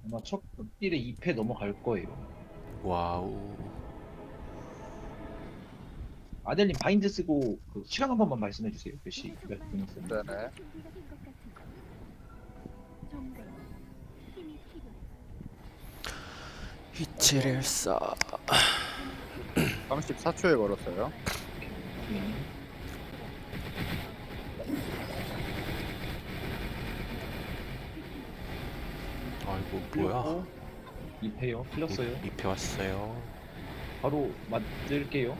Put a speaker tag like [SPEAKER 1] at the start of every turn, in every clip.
[SPEAKER 1] 아마 첫 극딜에 2패 넘어갈 거예요.
[SPEAKER 2] 와우.
[SPEAKER 1] 아델님 바인드 쓰고 그 시간 한 번만 말씀해 주세요. 몇 분 있었는지.
[SPEAKER 3] 네네.
[SPEAKER 2] 이칠일사.
[SPEAKER 3] 34초에 걸었어요.
[SPEAKER 1] 네.
[SPEAKER 2] 아이고 뭐야?
[SPEAKER 1] 2패요. 풀렸어요.
[SPEAKER 2] 2패 왔어요.
[SPEAKER 1] 바로 맞을게요.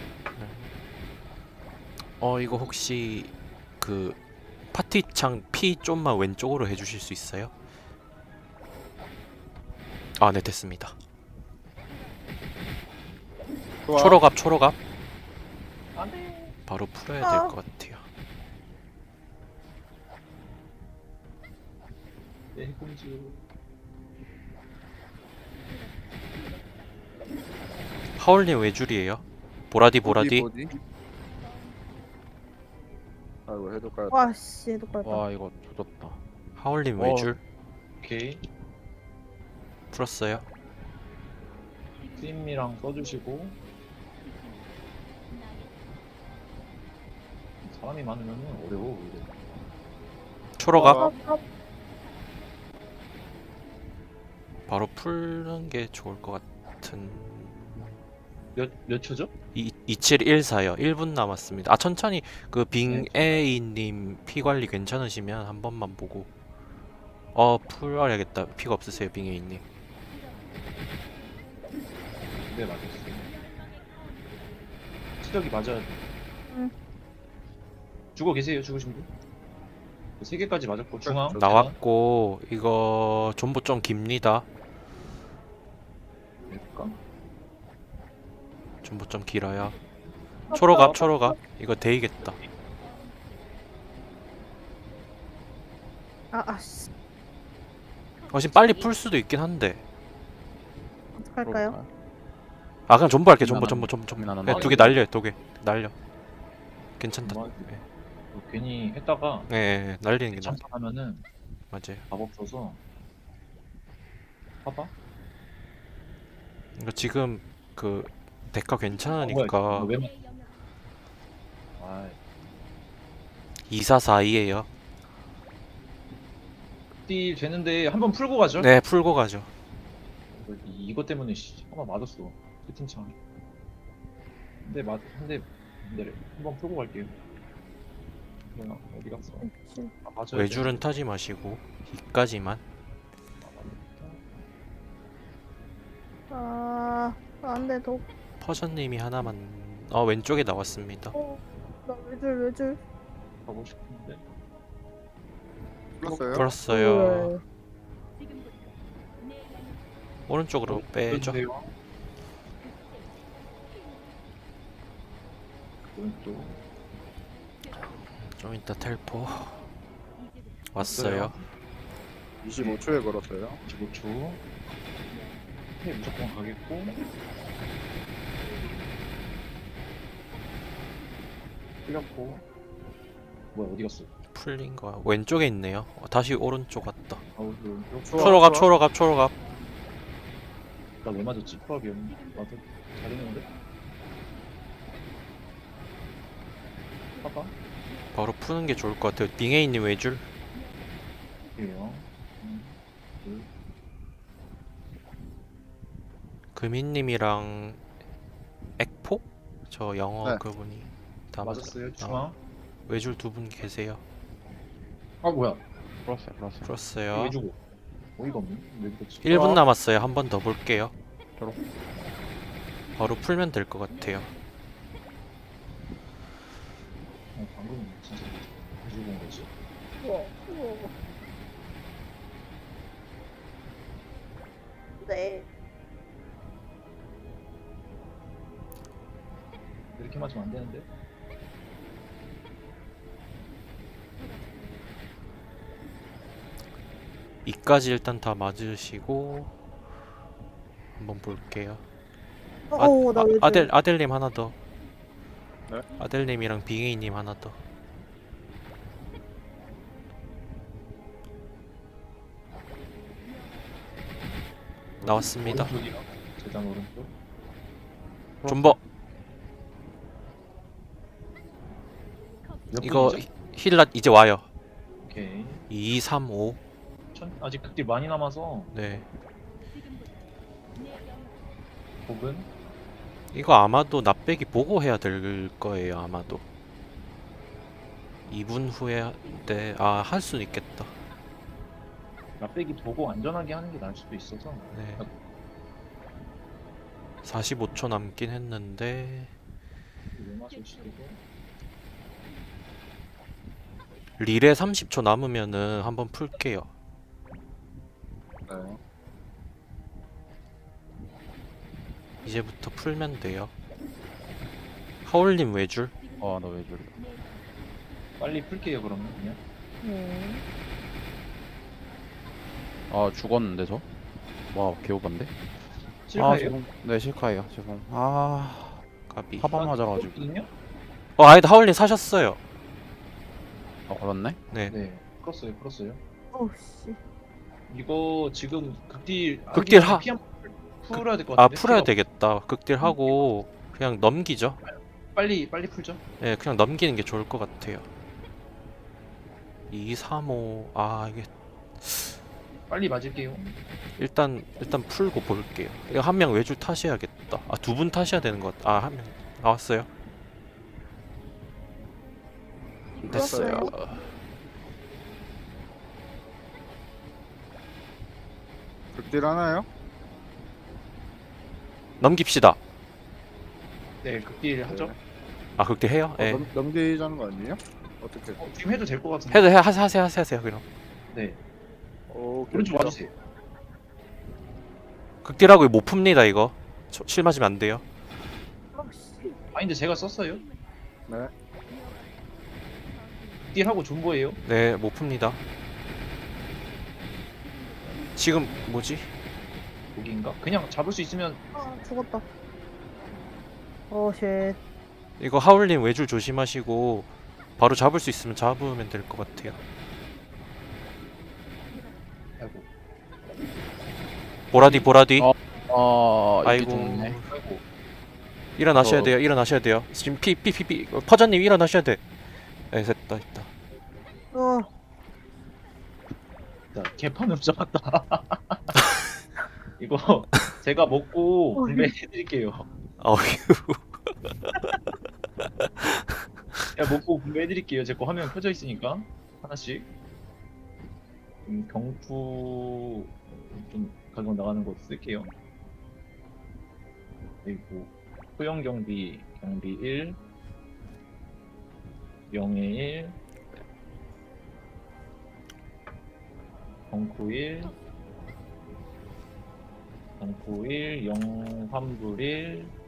[SPEAKER 2] 이거 혹시 그 파티창 P 좀만 왼쪽으로 해주실 수 있어요? 아, 네 됐습니다.
[SPEAKER 3] 좋아.
[SPEAKER 2] 초록앞 초록앞.
[SPEAKER 1] 안돼.
[SPEAKER 2] 바로 풀어야 될 것 같아요.
[SPEAKER 1] 네, 공주.
[SPEAKER 2] 하울님 외줄이에요. 보라디 보라디.
[SPEAKER 3] 보디. 아이고 해도 까였다.
[SPEAKER 4] 와씨 해도 깔다.
[SPEAKER 5] 와 이거 조졌다.
[SPEAKER 2] 하울님 외줄
[SPEAKER 1] 오케이.
[SPEAKER 2] 풀었어요.
[SPEAKER 1] 스임이랑 써주시고. 사람이 많으면 어려워. 이거.
[SPEAKER 2] 초록앞.
[SPEAKER 3] 어.
[SPEAKER 2] 바로 푸는 게 좋을 것 같은.
[SPEAKER 1] 몇 초죠?
[SPEAKER 2] 2714요. 1분 남았습니다. 아 천천히 그
[SPEAKER 1] 네.
[SPEAKER 2] 빙에이님 피 관리 괜찮으시면 한 번만 보고. 풀어야겠다. 피가 없으세요, 빙에이님.
[SPEAKER 1] 네, 맞았어요. 수력이 맞아야 돼.
[SPEAKER 4] 응.
[SPEAKER 1] 죽어 계세요, 죽으신 분? 3개까지 맞았고, 중앙.
[SPEAKER 2] 나왔고 이거 존버 좀 깁니다.
[SPEAKER 1] 될까?
[SPEAKER 2] 존버 좀 길어요. 초록앞 초록앞. 이거 데이겠다.
[SPEAKER 4] 아씨
[SPEAKER 2] 지금 빨리 풀 수도 있긴 한데.
[SPEAKER 4] 어떡할까요?
[SPEAKER 2] 아 그냥 존버 할게. 존버.
[SPEAKER 5] 나는
[SPEAKER 2] 네, 2개 날려. 2개 날려. 괜찮다.
[SPEAKER 1] 정말
[SPEAKER 2] 네.
[SPEAKER 1] 괜히 했다가
[SPEAKER 2] 네, 날리는 게 나.
[SPEAKER 1] 참판하면은
[SPEAKER 2] 맞아요.
[SPEAKER 1] 답 없어서. 봐봐.
[SPEAKER 2] 이거 지금 그 데카
[SPEAKER 1] 뭐야,
[SPEAKER 2] 괜찮으니까
[SPEAKER 1] 이거 왜 맞... 아,
[SPEAKER 2] 2442에요.
[SPEAKER 1] 띠 되는데 한번 풀고 가죠?
[SPEAKER 2] 네, 풀고 가죠.
[SPEAKER 1] 이것 때문에 한번 맞았어. 채팅창. 근데 한번 풀고 갈게요. 뭐야, 어디 갔어? 아, 맞아요.
[SPEAKER 2] 외줄은 타지 마시고 이까지만.
[SPEAKER 4] 아 안돼 더.
[SPEAKER 2] 퍼전님이 하나만. 왼쪽에 나왔습니다.
[SPEAKER 4] 나 외줄.
[SPEAKER 1] 가고 싶은데.
[SPEAKER 3] 풀었어요.
[SPEAKER 2] 풀었어요. 오른쪽으로 빼죠.
[SPEAKER 1] 보여주세요. 오른쪽.
[SPEAKER 2] 좀 이따 텔포 왔어요.
[SPEAKER 3] 25초에 걸었어요.
[SPEAKER 1] 25초. 무조건 가겠고. 풀렸고. 뭐야, 어디 갔어?
[SPEAKER 2] 풀린 거야. 왼쪽에 있네요. 다시 오른쪽 왔다.
[SPEAKER 1] 아우, 그
[SPEAKER 2] 초록앞.
[SPEAKER 1] 나왜 맞았지? 프로비움. 맞아. 잘했는데? 봐봐.
[SPEAKER 2] 바로 푸는 게 좋을 것 같아요. 빙에이님 외줄.
[SPEAKER 1] 그래요. 둘.
[SPEAKER 2] 금희님이랑 액포? 저 영어
[SPEAKER 3] 네.
[SPEAKER 2] 그분이 다
[SPEAKER 1] 맞았어요. 중앙.
[SPEAKER 2] 외줄 2분 계세요.
[SPEAKER 1] 아, 뭐야?
[SPEAKER 5] 풀었어요.
[SPEAKER 2] 풀었어요.
[SPEAKER 1] 왜 주고? 어이가 없네. 왜 그렇지?
[SPEAKER 2] 1분 남았어요. 한 번 더 볼게요.
[SPEAKER 5] 초록.
[SPEAKER 2] 바로 풀면 될 것 같아요.
[SPEAKER 1] 방금 진짜 가지고 온 거지?
[SPEAKER 4] 네.
[SPEAKER 1] 이렇게 맞으면 안 되는데?
[SPEAKER 2] 이까지 일단 다 맞으시고 한번 볼게요.
[SPEAKER 4] 나 외줄.
[SPEAKER 2] 아델님 하나 더.
[SPEAKER 3] 네.
[SPEAKER 2] 아델님이랑 빙에이님 하나 더. 나왔습니다.
[SPEAKER 1] 오른쪽이요. 재단 오른쪽.
[SPEAKER 2] 존버.
[SPEAKER 1] 몇
[SPEAKER 2] 이거
[SPEAKER 1] 분이죠?
[SPEAKER 2] 힐라 이제 와요.
[SPEAKER 1] 오케이.
[SPEAKER 2] 2, 3, 5.
[SPEAKER 1] 아직 극딜 많이 남아서
[SPEAKER 2] 네.
[SPEAKER 1] 5분.
[SPEAKER 2] 이거 아마도 납배기 보고 해야 될 거예요. 아마도. 2분 후에 네. 아, 할 수는 있겠다.
[SPEAKER 1] 맛배기 보고 안전하게 하는 게 나을 수도 있어서.
[SPEAKER 2] 네. 45초 남긴 했는데
[SPEAKER 1] 이거 시키고.
[SPEAKER 2] 릴에 30초 남으면은 한번 풀게요.
[SPEAKER 3] 네.
[SPEAKER 2] 이제부터 풀면 돼요. 하울님 외줄?
[SPEAKER 5] 아, 나 왜 저래?
[SPEAKER 1] 빨리 풀게요 그러면 그냥.
[SPEAKER 4] 네.
[SPEAKER 5] 아, 죽었는데 저? 와, 개오반데? 아,
[SPEAKER 1] 실패예요?
[SPEAKER 5] 죄송. 네, 실카예요. 죄송. 아,
[SPEAKER 2] 까비.
[SPEAKER 5] 하방 맞아가지고.
[SPEAKER 1] 풀었거든요?
[SPEAKER 2] 아니다, 하울님 사셨어요.
[SPEAKER 5] 아, 그렇네?
[SPEAKER 2] 네.
[SPEAKER 1] 네. 풀었어요.
[SPEAKER 4] 어씨.
[SPEAKER 1] 이거 지금 극딜
[SPEAKER 2] 극딜
[SPEAKER 1] 풀어야 될 것
[SPEAKER 2] 아,
[SPEAKER 1] 같은데.
[SPEAKER 2] 풀어야
[SPEAKER 1] 피가
[SPEAKER 2] 되겠다. 극딜 하고 그냥 넘기죠.
[SPEAKER 1] 빨리 풀죠.
[SPEAKER 2] 네, 그냥 넘기는 게 좋을 것 같아요. 2, 3, 5. 아, 이게
[SPEAKER 1] 빨리 맞을게요.
[SPEAKER 2] 일단 풀고 볼게요. 이거 한 명 외줄 타셔야겠다. 아, 두 분 타셔야 되는 것 같아. 아, 한 명 나왔어요. 됐어요.
[SPEAKER 3] 극딜 하나요?
[SPEAKER 2] 넘깁시다.
[SPEAKER 1] 네, 극딜 하죠.
[SPEAKER 3] 네.
[SPEAKER 2] 아, 극딜 해요? 예.
[SPEAKER 3] 넘기자는 거 아니에요? 어떻게?
[SPEAKER 1] 지금 해도 될 것 같은데.
[SPEAKER 2] 해도 하세요 그럼.
[SPEAKER 1] 네.
[SPEAKER 3] 오,
[SPEAKER 1] 오른쪽 와주세요.
[SPEAKER 2] 극딜하고 못 풉니다 이거. 실 맞으면 안 돼요.
[SPEAKER 4] 어씨.
[SPEAKER 1] 바인드 제가 썼어요.
[SPEAKER 3] 네.
[SPEAKER 1] 극딜하고 존버예요.
[SPEAKER 2] 네, 못 풉니다. 지금 뭐지?
[SPEAKER 1] 여기인가? 그냥 잡을 수 있으면
[SPEAKER 4] 아 죽었다. 쉣.
[SPEAKER 2] 이거 하울님 외줄 조심하시고 바로 잡을 수 있으면 잡으면 될 것 같아요.
[SPEAKER 1] 아이고.
[SPEAKER 2] 보라디.
[SPEAKER 5] 아,
[SPEAKER 2] 아이고.
[SPEAKER 5] 이게 좋네.
[SPEAKER 1] 아이고.
[SPEAKER 2] 일어나셔야 돼요. 일어나셔야 돼요. 지금 피 퍼전님 일어나셔야 돼. 네, 됐다.
[SPEAKER 4] 어.
[SPEAKER 1] 자, 개판으로 잡았다. 이거 제가 먹고 분배해드릴게요.
[SPEAKER 2] 어휴.
[SPEAKER 1] 제가 먹고 분배해드릴게요. 제 거 화면 켜져 있으니까 하나씩. 경투 좀 가격 나가는 거 쓸게요. 그리고 소형 경비 1, 0에 1, 경쿠 1, 0 환불 1,